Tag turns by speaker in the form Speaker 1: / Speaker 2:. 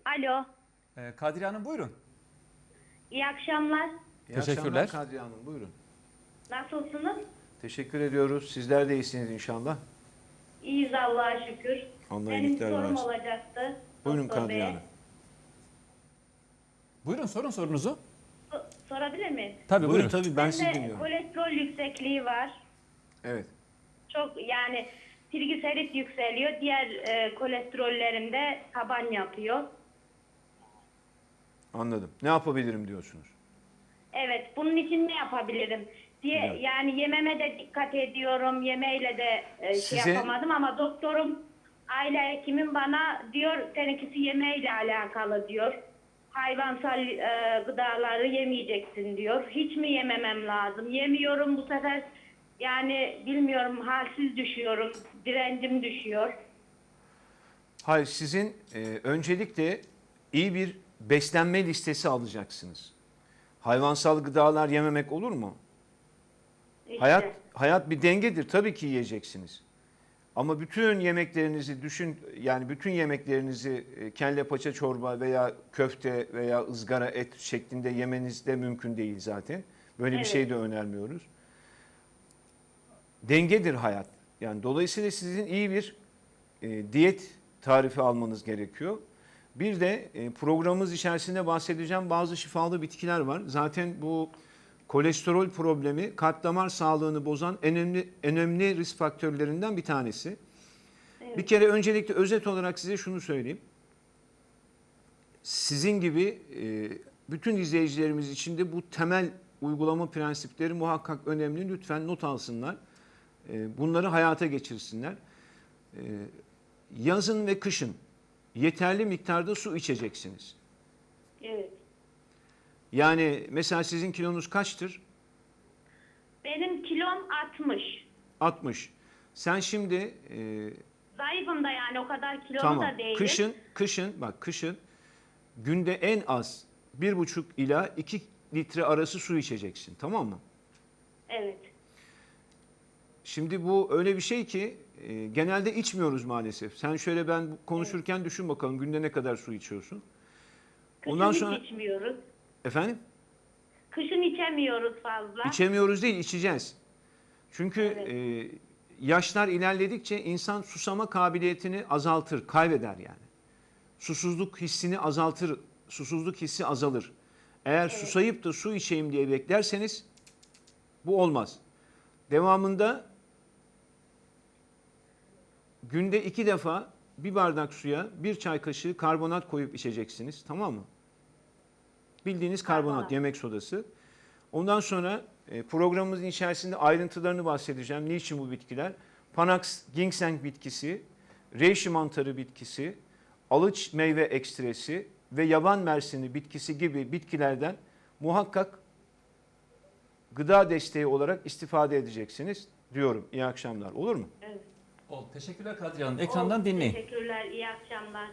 Speaker 1: Alo,
Speaker 2: Kadriye Hanım buyurun.
Speaker 1: iyi akşamlar.
Speaker 3: İyi
Speaker 2: Teşekkürler.
Speaker 3: akşamlar Kadriye Hanım, buyurun.
Speaker 1: Nasılsınız?
Speaker 3: Teşekkür ediyoruz. Sizler de iyisiniz inşallah.
Speaker 1: İyiyiz Allah'a şükür.
Speaker 3: Allah
Speaker 1: Benim
Speaker 3: iyilikler
Speaker 1: sorum
Speaker 3: versin.
Speaker 1: olacaktı.
Speaker 3: Buyurun
Speaker 1: doktor
Speaker 3: Kadriye
Speaker 1: beye.
Speaker 3: Hanım.
Speaker 2: Buyurun sorun sorunuzu.
Speaker 1: Sorabilir miyim?
Speaker 2: Tabii
Speaker 3: Buyurun
Speaker 2: buyurun.
Speaker 3: tabii ben sizi
Speaker 1: Bende
Speaker 3: dinliyorum.
Speaker 1: kolesterol yüksekliği var.
Speaker 3: Evet.
Speaker 1: Çok yani trigliserit yükseliyor. Diğer kolesterollerimde taban yapıyor.
Speaker 3: Anladım. Ne yapabilirim diyorsunuz?
Speaker 1: Evet, bunun için ne yapabilirim diye
Speaker 3: Güzel.
Speaker 1: yani yememe de dikkat ediyorum. Yemeğiyle de şey
Speaker 3: Size-
Speaker 1: yapamadım ama doktorum, aile hekimim bana diyor seninkisi yemeğiyle alakalı diyor. Hayvansal gıdaları yemeyeceksin diyor. Hiç mi yememem lazım? Yemiyorum bu sefer, yani bilmiyorum, halsiz düşüyorum. Direncim düşüyor.
Speaker 3: Hayır, sizin öncelikle iyi bir beslenme listesi alacaksınız. Hayvansal gıdalar yememek olur mu?
Speaker 1: İşte.
Speaker 3: Hayat bir dengedir. Tabii ki yiyeceksiniz. Ama bütün yemeklerinizi düşün, yani bütün yemeklerinizi kelle paça çorba veya köfte veya ızgara et şeklinde yemeniz de mümkün değil zaten. Böyle bir
Speaker 1: Evet.
Speaker 3: şey de önermiyoruz. Dengedir hayat. Yani dolayısıyla sizin iyi bir diyet tarifi almanız gerekiyor. Bir de programımız içerisinde bahsedeceğim bazı şifalı bitkiler var. Zaten bu kolesterol problemi kalp damar sağlığını bozan önemli risk faktörlerinden bir tanesi.
Speaker 1: Evet.
Speaker 3: Bir kere öncelikle özet olarak size şunu söyleyeyim. Sizin gibi bütün izleyicilerimiz için de bu temel uygulama prensipleri muhakkak önemli. Lütfen not alsınlar. Bunları hayata geçirsinler. Yazın ve kışın yeterli miktarda su içeceksiniz.
Speaker 1: Evet.
Speaker 3: Yani mesela sizin kilonuz kaçtır?
Speaker 1: Benim kilom 60.
Speaker 3: 60. Sen şimdi
Speaker 1: Zayıfım da, yani o kadar kilolu
Speaker 3: tamam.
Speaker 1: da değilim.
Speaker 3: Kışın günde en az 1,5 ila 2 litre arası su içeceksin. Tamam mı?
Speaker 1: Evet.
Speaker 3: Şimdi bu öyle bir şey ki genelde içmiyoruz maalesef. Sen şöyle ben konuşurken düşün bakalım günde ne kadar su içiyorsun?
Speaker 1: Kışın
Speaker 3: Ondan
Speaker 1: hiç
Speaker 3: sonra
Speaker 1: içmiyoruz.
Speaker 3: efendim?
Speaker 1: Kışın içemiyoruz fazla.
Speaker 3: İçemiyoruz değil, içeceğiz. Çünkü
Speaker 1: Evet.
Speaker 3: yaşlar ilerledikçe insan susama kabiliyetini azaltır, kaybeder yani. Susuzluk hissini azaltır, susuzluk hissi azalır. Eğer susayıp da su içeyim diye beklerseniz bu olmaz. Devamında günde 2 defa bir bardak suya 1 çay kaşığı karbonat koyup içeceksiniz. Tamam mı? Bildiğiniz karbonat, yemek sodası. Ondan sonra programımızın içerisinde ayrıntılarını bahsedeceğim. Niçin bu bitkiler? Panax ginseng bitkisi, reishi mantarı bitkisi, alıç meyve ekstresi ve yaban mersini bitkisi gibi bitkilerden muhakkak gıda desteği olarak istifade edeceksiniz diyorum. İyi akşamlar. Olur mu?
Speaker 1: Evet.
Speaker 2: Teşekkürler Kadriye Hanım. Ekrandan dinleyin.
Speaker 1: Teşekkürler, iyi akşamlar.